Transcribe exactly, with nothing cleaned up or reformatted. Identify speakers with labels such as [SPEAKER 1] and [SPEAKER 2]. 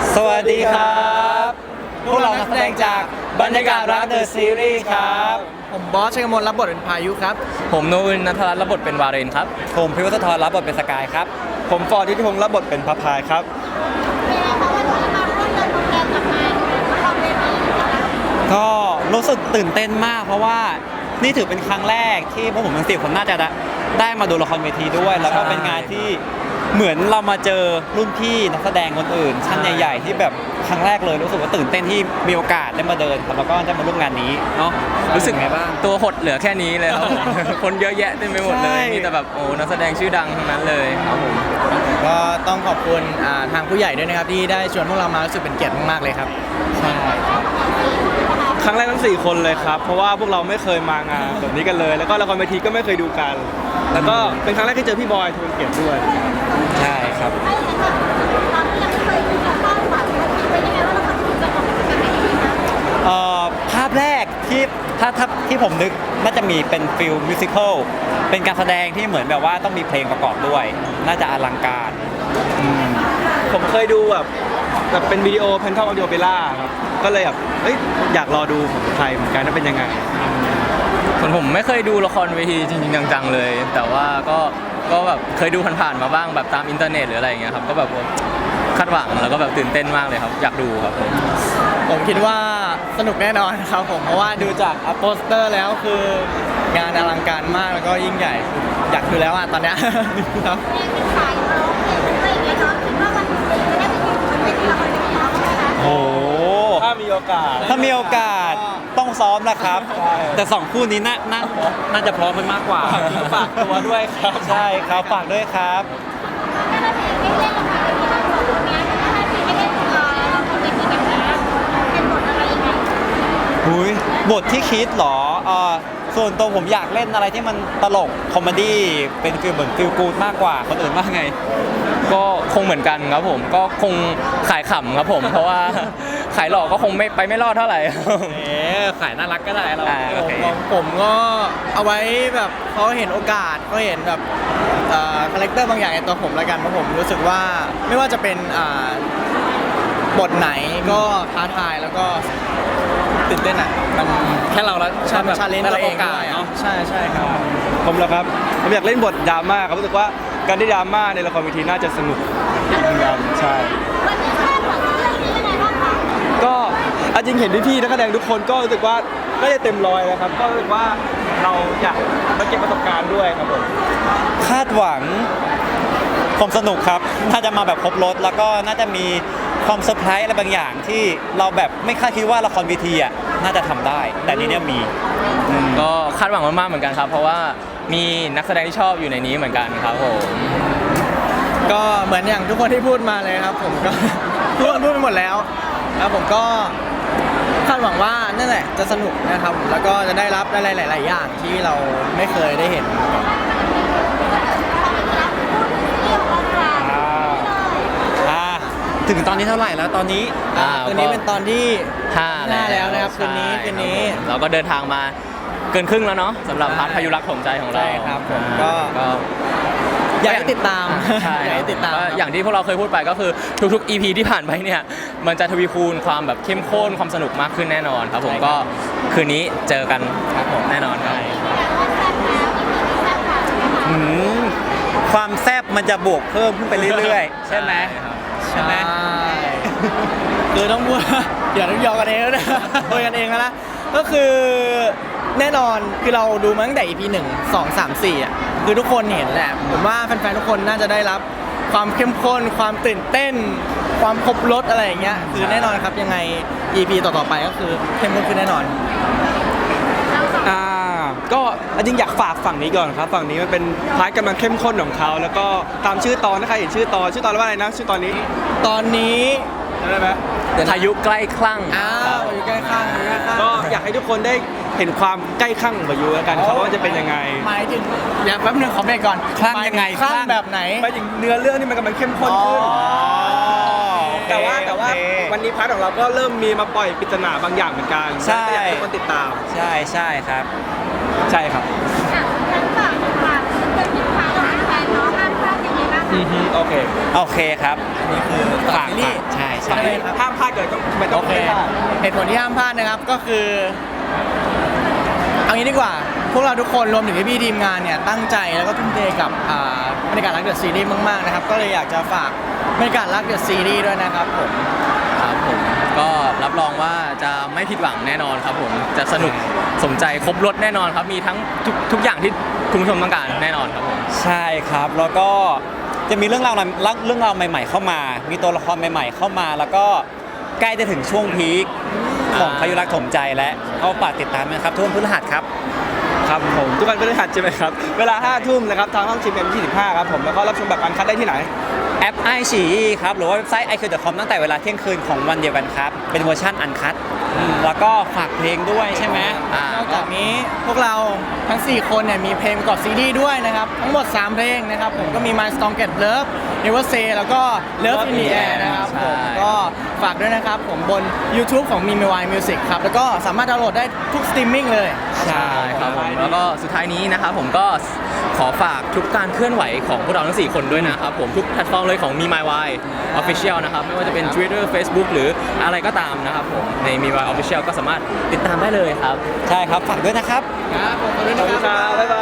[SPEAKER 1] สวัสดีครับพวกเรานักแสดงจากบรรยากาศรักเดอะซีรีส์ครับ
[SPEAKER 2] ผมบอสชัยกมลรับบทเป็นพายุครับ
[SPEAKER 3] ผมโนอึนนัทรัตน์รับบทเป็นวาเรนครับ
[SPEAKER 1] ผมพิวัฒน์ธรรับบทเป็นสกายครับ
[SPEAKER 4] ผมฟอร์ดทิติพงศ์รับบทเป็นพระพายครับ
[SPEAKER 1] ก็รู้สึกตื่นเต้นมากเพราะว่านี่ถือเป็นครั้งแรกที่พวกผมทั้งสี่คนน่าจะได้มาดูละครเวทีด้วยแล้วก็เป็นงานที่เหมือนเรามาเจอรุ่นพี่นักแสดงคนอื่นชั้นใหญ่ๆที่แบบครั้งแรกเลยรู้สึกว่าตื่นเต้นที่มีโอกาสได้มาเดินครับแล้วก็ได้มาร่วมงานนี้เนาะ
[SPEAKER 3] รู้สึกไงบ้างตัวหดเหลือแค่นี้เลยครับผม คนเยอะแยะเต็มไปหมดเลยมีแต่แบบโอ้นักแสดงชื่อดังทั้งนั้นเลยครับผม
[SPEAKER 2] ก็ต้องขอบคุณทางผู้ใหญ่ด้วยนะครับที่ได้ชวนพวกเรามารู้สึกเป็นเกียรติมากๆเลยครับ
[SPEAKER 1] ใช่
[SPEAKER 4] ครั้งแรกทั้งสี่คนเลยครับเพราะว่าพวกเราไม่เคยมางานแบบนี้กันเลยแล้วก็ละครเวทีก็ไม่เคยดูกันแล้วก็เป็นครั้งแรกที่เจอพี่บอยทูลเกียรติด้วย
[SPEAKER 1] ใช่ครับภาพแรกที่ถ้าถ้าที่ผมนึกน่าจะมีเป็นฟิลมิวสิควลเป็นการแสดงที่เหมือนแบบว่าต้องมีเพลงประกอบด้วยน่าจะอลังการ
[SPEAKER 4] ผมเคยดูแบบแบบเป็นวิดีโอแพนทอมออดิโอเปร่าครับก็เลยแบบเอ้ยอยากรอดูของไทยเหมือนกันว่าเป็นยังไง
[SPEAKER 3] ส่วนผมไม่เคยดูละครเวทีจริงๆจังๆเลยแต่ว่าก็ก็แบบเคยดูผ่านๆมาบ้างแบบตามอินเทอร์เน็ตหรืออะไรอย่างเงี้ยครับก็แบบคาดหวังแล้วก็แบบตื่นเต้นมากเลยครับอยากดูครับผม
[SPEAKER 2] ผมคิดว่าสนุกแน่นอนครับผมเพราะว่าดูจากโปสเตอร์แล้วคืองานอลังการมากแล้วก็ยิ่งใหญ่อยากดูแล้วอ่ะตอนเนี้ยครับ
[SPEAKER 1] โอ้
[SPEAKER 4] ถ้ามีโอกาส
[SPEAKER 1] ถ้ามีโอกาสต้องซ้อมนะครับแต่สองคู่นี้น่าน่าน่าจะพร้อมกันมากกว่า
[SPEAKER 4] ฝากตัวด้วยครับ
[SPEAKER 1] ใช่ครับฝากด้วยครับบทที่คิดหรอส่วนตัวผมอยากเล่นอะไรที่มันตลกคอมเมดี้เป็นฟิลเหมือนฟิลกู๊ดมากกว่าคนอื่นมากไง
[SPEAKER 3] ก็คงเหมือนกันครับผมก็คงขายขำครับผมเพราะว่าขายหลอกก็คงไม่ไปไม่รอดเท่าไหร่
[SPEAKER 2] เอ๊ขายน่ารักก็ได้เราผมก็เอาไว้แบบเขาเห็นโอกาสเขาเห็นแบบคาแรคเตอร์บางอย่างในตัวผมแล้วกันเพราะผมรู้สึกว่าไม่ว่าจะเป็นบทไหนก็ท้าทายแล้วก็ตื่นเต้นอ่ะมันแค่เราแล้วชาชาเลนจ์ตัวเองเนาะใช่ใช่ครับ
[SPEAKER 4] ผมเหรอครับผมอยากเล่นบทดราม่าครับรู้สึกว่าการได้ดราม่าในละครเวทีน่าจะสนุกเหมือนกันใช่ก็จริงเห็นพี่ๆนักแสดงทุกคนก็รู้สึกว่าไม่ได้เต็มร้อยแล้วครับก็รู้สึกว่าเราอยากมาเก็บประสบการณ์ด้วยครับผม
[SPEAKER 1] คาดหวังความสนุกครับน่าจะมาแบบครบรถแล้วก็น่าจะมีความเซอร์ไพรส์อะไรบางอย่างที่เราแบบไม่คาดคิดว่าละครเวทีอ่ะน่าจะทำได้แต่นี้เนี่ยมี
[SPEAKER 3] ก็คาดหวังมากๆเหมือนกันครับเพราะว่ามีนักแสดงที่ชอบอยู่ในนี้เหมือนกันครับผม
[SPEAKER 2] ก็เหมือนอย่างทุกคนที่พูดมาเลยครับผมก็ทุกคนพูดไปหมดแล้วแล้วผมก็คาดหวังว่านั่นแหละจะสนุกนะครับแล้วก็จะได้รับอะไรหลายๆอย่างที่เราไม่เคยได้เห็น
[SPEAKER 1] ถึงตอนนี้เท่าไหร่แล้วตอนนี้
[SPEAKER 2] คืนนี้เป็นตอนที่
[SPEAKER 3] ห้า
[SPEAKER 2] แล้วนะครับคืนนี้คืนนี้
[SPEAKER 3] เราก็เดินทางมาเกินครึ่งแล้วเนาะสำหรับพาร์ทพายุรักของใจของเรา
[SPEAKER 2] ใช่ครับผมก็อยากให้ติดตามอยากให้ติดตาม
[SPEAKER 3] อย่างที่พวกเราเคยพูดไปก็คือทุกๆ อี พี ที่ผ่านไปเนี่ยมันจะทวีคูณความแบบเข้มข้นความสนุกมากขึ้นแน่นอนครับผมก็คืนนี้เจอกันแน่นอนครับ
[SPEAKER 1] ความแซ่บมันจะบวกเพิ่มขึ้นไปเรื่อยๆใช่ไหม
[SPEAKER 2] ใช่ไหมคือต้องพูดอย่าต้องยอกันเองแล้วนะโดยกันเองแล้วนะก็คือแน่นอนคือเราดูมาตั้งแต่ อี พี หนึ่ง สอง สาม สี่อ่ะคือทุกคนเห็นแหละผมว่าแฟนๆทุกคนน่าจะได้รับความเข้มข้นความตื่นเต้นความครบรสอะไรอย่างเงี้ยคือแน่นอนครับยังไง อี พี ต่อๆไปก็คือเข้มข้นขึ้นแน่นอน
[SPEAKER 4] อ่าก็จริงอยากฝากฝั่งนี้ก่อนครับฝั่งนี้มันเป็นพาร์ทกำลังเข้มข้นของเขาแล้วก็ตามชื่อตอนนะคะเห็นชื่อตอนชื่อตอนว่าอะไรนะชื่อตอนนี้
[SPEAKER 2] ตอนนี้
[SPEAKER 4] ได้ไหม
[SPEAKER 3] พายุใกล้คลั่ง
[SPEAKER 2] อ้าวพายุใกล้คลั่ง
[SPEAKER 4] ก็อยากให้ทุกคนได้เห็นความใกล้คลั่งของพายุแล้วกันครับว่าจะเป็นยังไง
[SPEAKER 2] หมายถึงอย่าแป๊บนึงขอเบรกก่อน
[SPEAKER 1] คลั่งยังไง
[SPEAKER 2] คลั่งแบบไหน
[SPEAKER 4] หมายถึงเนื้อเรื่องนี่มันกำลังเข้มข้นขึ้นแต่ว่าแต่ว่าวันนี้พาร์ทของเราก็เริ่มมีมาปล่อยปริศนาบางอย่างเหมือนกัน
[SPEAKER 1] ใช่
[SPEAKER 4] อยากให้ทุกคนติดตาม
[SPEAKER 1] ใช่ใช่ครับ
[SPEAKER 4] ใช่ครับ
[SPEAKER 5] งั้นฝากฝากเพื่อนๆที่พาเราแฟนเนาะห้ามพลาดยังไงบ้างคะ
[SPEAKER 4] อือฮึโอเค
[SPEAKER 1] โอเคครับ
[SPEAKER 2] นี่คือ
[SPEAKER 1] ฝาก
[SPEAKER 2] ซีรีส์
[SPEAKER 1] ฝากใช่ใช่
[SPEAKER 2] ใช่ไหมครับ
[SPEAKER 4] ห้ามพลาดเกิดก็ไม่ต้อ
[SPEAKER 2] โอง เค
[SPEAKER 4] ไม่พลาด
[SPEAKER 2] เหตุผลที่ห้ามพลาดนะครับก็คือ เอางี้ดีกว่า พวกเราทุกคนรวมถึงพี่ๆทีมงานเนี่ยตั้งใจแล้วก็ทุ่มเทกับอ่าบรรยากาศรักเดอะซีรีส์มากๆนะครับก็เลยอยากจะฝากบรรยากาศรักเดอะซีรีส์ด้วยนะครับผม
[SPEAKER 3] ครับผมก็รับรองว่าจะไม่ผิดหวังแน่นอนครับผมจะสนุกสมใจครบรถแน่นอนครับมีทั้งทุกทุกอย่างที่คุณผู้ชมต้องการแน่นอนครับผม
[SPEAKER 1] ใช่ครับ แล้วก็จะมีเรื่องราวเรื่องราวใหม่ ๆ เข้ามา มีตัวละครใหม่ ๆ เข้ามา แล้วก็ใกล้จะถึงช่วงพีคของ
[SPEAKER 3] อ่า
[SPEAKER 1] พายุรักถมใจแล้วก็ฝากติดตามนะครับทุกวันพฤหัสครับ
[SPEAKER 4] ครับผมทุกวันพฤหัสใช่ไหมครับเวลาห้าทุ่มนะครับทางห้องชิมเอ็มยี่สิบห้าครับผมแล้วก็รับชมแบบอันคัดได้ที่ไหน
[SPEAKER 1] แอปไอฉีครับ หรือว่าเว็บไซต์ ไอคิว ดอท คอม ตั้งแต่เวลาเที่ยงคืนของวันเดียวกันครับ เป็นเวอร์ชันอันคัดแล้วก็ฝากเพลงด้วยใช่ไหม
[SPEAKER 3] อ่าน
[SPEAKER 2] อกจากนี้พวกเราทั้ง สี่ คนเนี่ยมีเพลงประกอบซีรีส์ด้วยนะครับ ทั้งหมด สาม เพลงนะครับผมก็มี My Strong Get Love Never Say แล้วก็ Love in the Air นะครับผมก็ฝากด้วยนะครับผมบน YouTube ของ มี เอ็ม วาย Music ครับแล้วก็สามารถดาวน์โหลดได้ทุกสตรีมมิ่งเลย
[SPEAKER 3] ใช่ครับผมแล้วก็สุดท้ายนี้นะครับผมก็ขอฝากทุกการเคลื่อนไหวของพวกเราทั้ง สี่ คนด้วยนะครับผมทุกแพลตฟอร์มเลยของ มี My Way Official นะครับไม่ว่าจะเป็น Twitter Facebook หรืออะไรก็ตามนะครับผมใน มี My Way Official ก็สามารถติดตามได้เลยครับ
[SPEAKER 1] ใช่ครับ ฝากด้วยนะครับ
[SPEAKER 2] ครับผมขอบคุณ
[SPEAKER 4] ขอบ
[SPEAKER 2] นะ
[SPEAKER 4] คุณ
[SPEAKER 2] ค
[SPEAKER 4] ครับ รับบ๊ายบาย